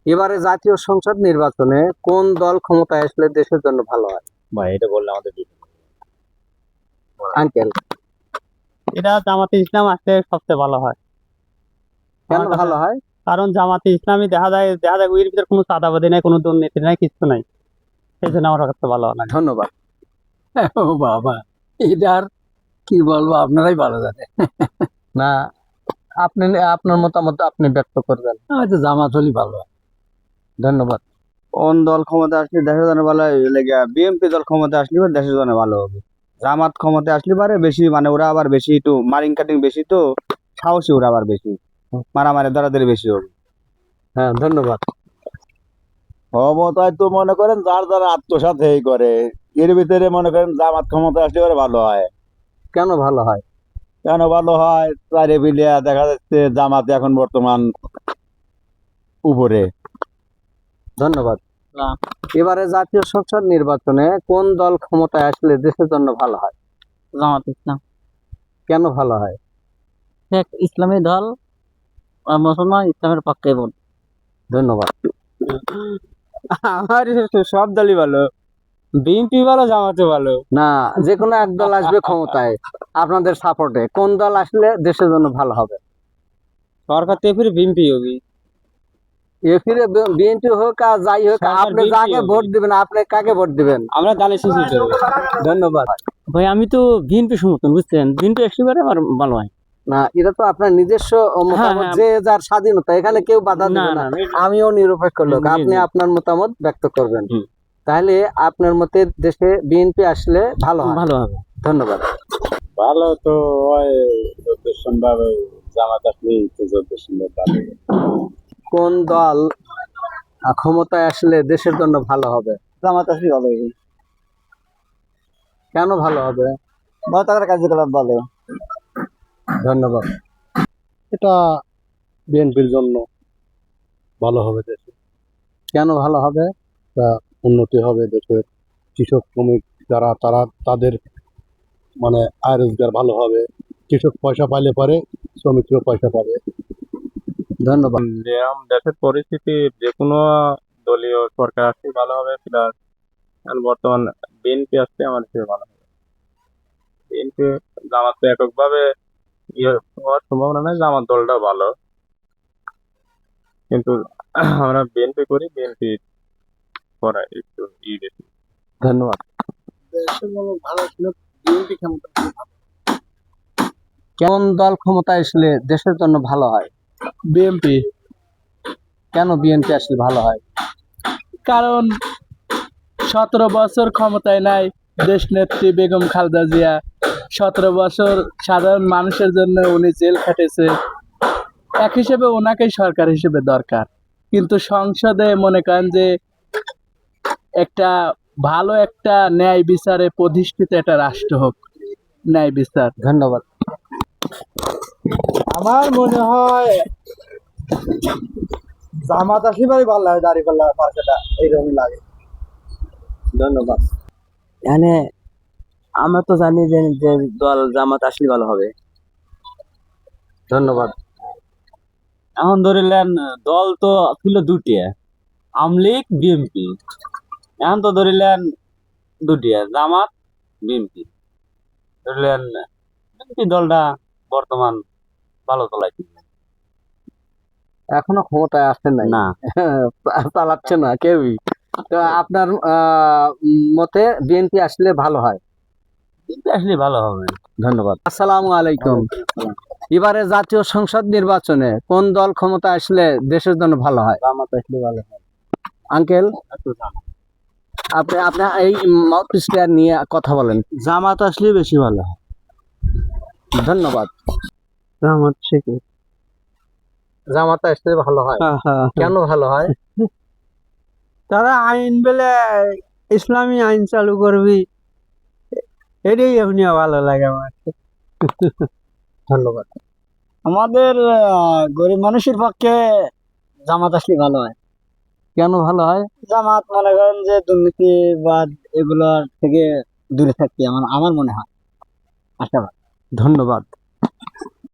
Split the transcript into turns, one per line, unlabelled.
এবারে জাতীয় সংসদ নির্বাচনে কোন দল ক্ষমতায় আসলে দেশের জন্য ভালো হয়?
ভাই এটা বললে আমাদের
আঙ্কেল,
এটা জামাতে ইসলাম আসলে সবচেয়ে ভালো হয়।
কেন
আমার কাছে-
ভালো হয়?
কারণ জামাতে ইসলামী দেখা যায় ওর ভিতরে কোনো চাঁদাবাদি নাই, কোনো দুর্নীতি নাই, কিছু নাই। সেই জন্য আমার কাছে ভালো লাগে।
ধন্যবাদ।
ও বাবা, এটার কি বলবো, আপনারাই ভালো জানেন।
না, আপনি আপনার মতামত আপনি ব্যক্ত করবেন।
হয়তো জামাত হলেই ভালো হয়।
ধন্যবাদ।
কোন দল ক্ষমতা আসলে দেশের জন্য ভালো হয়? বিএনপি দল ক্ষমতা আসলে পরে দেশের জন্য ভালো হবে। জামাত ক্ষমতা আসলে পারে বেশি, মানে ওরা আবার বেশি একটু মারিং কাটিং বেশি, তো সাহসী ওরা আবার বেশি, মারামারি দরাদরি বেশি হবে।
হ্যাঁ, ধন্যবাদ।
ক্ষমতায় তো মনে করেন যার যারা আত্মসাৎ এই করে, এর ভিতরে মনে করেন জামাত ক্ষমতা আসলে পরে ভালো হয়।
কেন ভালো হয়?
কেন ভালো হয়? চারে বিলিয়া দেখা যাচ্ছে জামাত এখন বর্তমান উপরে।
ধন্যবাদ।
না।
এবারে জাতীয় সংসদ নির্বাচনে কোন দল ক্ষমতায় আসলে দেশের জন্য ভালো হয়?
জামাতে ইসলাম
কেন ভালো হয়?
এক ইসলামী দল, মুসলমান ইসলামের পক্ষে বল।
ধন্যবাদ।
আমার সব দলই ভালো, বিএনপি ভালো, জামাতে ভালো।
না, যে কোনো এক দল আসবে ক্ষমতায় আপনাদের সাপোর্টে, কোন দল আসলে দেশের জন্য ভালো হবে?
সরকার থেকে ফিরে বিএনপি হবে।
এ ফিরে বিএনপি হোক আর যাই হোক,
সরকার
আপনি
BNP
যাকে
হবে।
ভোট দিবেন, আপনি কাকে ভোট দিবেন?
আমরা দানের শেষে দেবো।
ধন্যবাদ।
ভাই আমি তো বিএনপি সমর্থন, বুঝছেন, বিএনপি একেবারে আমার ভালো হয়।
না, এটা তো আপনার নিজস্ব মতামত,
হ্যাঁ।
যে যার স্বাধীনতা, এখানে কেউ বাধা
না
দিবে
না
না। আমিও নিরপেক্ষ লোক,
জি,
আপনি
জি।
আপনার মতামত ব্যক্ত করবেন।
হুম।
তাহলে আপনার মতে দেশে বিএনপি আসলে ভালো হয়।
ভালো হবে।
ধন্যবাদ।
ভালো তো হয় যদ্দূর সম্ভব, জামাত আসলেই তো যদ্দূর সম্ভব ভালো।
কোন দল ক্ষমতায় আসলে দেশের জন্য ভালো হবে?
জামাত আসলে ভালো হবে।
কেন ভালো হবে?
তাদের কার্যকলাপ ভালো।
ধন্যবাদ।
এটা বিএনপির জন্য ভালো হবে, দেশে
কেন ভালো হবে?
উন্নতি হবে, দেশের কৃষক শ্রমিক যারা তারা তাদের মানে আয় রোজগার ভালো হবে। কৃষক পয়সা পাইলে পরে শ্রমিকরা পয়সা পাবে।
ধন্যবাদ।
যেরকম দেশের পরিস্থিতি, যে কোনো দলীয় সরকার আসলে ভালো হবে, প্লাস বর্তমান বিএনপি আসলে আমার হিসেবে ভালো হবে। বিএনপি জামাত তো এককভাবে ইয়ে হওয়ার সম্ভাবনা নাই, জামাত দলটা ভালো, কিন্তু আমরা বিএনপি করি, বিএনপি করা একটু বেশি।
ধন্যবাদ।
দেশের জন্য ভালো ছিল বিএনপি ক্ষমতা।
কোন দল ক্ষমতায় আসলে দেশের জন্য ভালো হয়?
বিএনপি,
কেন বিএনপি আসলে ভালো হয়?
কারণ 17 বছর ক্ষমতায় নাই দেশ নেত্রী বেগম খালেদা জিয়া। 17 বছর সাধারণ মানুষের জন্য উনি জেল খাটেছে। এক হিসেবে ওনাকেই সরকার হিসেবে দরকার, কিন্তু সংসদে মনে করেন যে একটা ভালো একটা ন্যায় বিচারে প্রতিষ্ঠিত একটা রাষ্ট্র হোক, ন্যায় বিচার।
ধন্যবাদ।
আমার মনে হয় জামাত আসলে ভালো লাগে, দাঁড়িপাল্লা পার্কেটা এইরকমই লাগে।
ধন্যবাদ।
এখানে আমরা তো জানি যে যে দল জামাত আসলে ভালো হবে।
ধন্যবাদ।
এখন ধরিলেন দল তো ছিল দুটিয়া, আওয়ামী লীগ বিএনপি। এখন তো ধরিলেন দুটিয়া, জামাত বিএনপি। ধরিলেন বিএনপি দলটা বর্তমান ভালো চলাইছে
এখনো ক্ষমতায় আসেন নাই,
না।
চালাচ্ছে না কেউই। তো আপনার মতে বিএনপি আসলে ভালো হয়?
বিএনপি আসলে ভালো হবে।
ধন্যবাদ। আসসালামু আলাইকুম। এবারে জাতীয় সংসদ নির্বাচনে কোন দল ক্ষমতা আসলে দেশের জন্য ভালো হয়?
জামাত আসলে ভালো হয়।
আঙ্কেল, আপনি আপনার এই মাউথপিসটা নিয়ে কথা বলেন।
জামাত আসলে বেশি ভালো হয়।
ধন্যবাদ।
জামাত শিখে
জামাত আসলে ভালো হয়। কেন ভালো হয়?
তারা আইন বেলে ইসলামী আইন চালু করবি, এটাই এমনি ভালো লাগে আমার।
ধন্যবাদ।
আমাদের গরিব মানুষের পক্ষে জামাত আসলে ভালো হয়।
কেন ভালো হয়?
জামাত মনে করেন যে দুর্নীতি বা এগুলোর থেকে দূরে থাকতে আমার মনে হয় আশাবাদ।
ধন্যবাদ।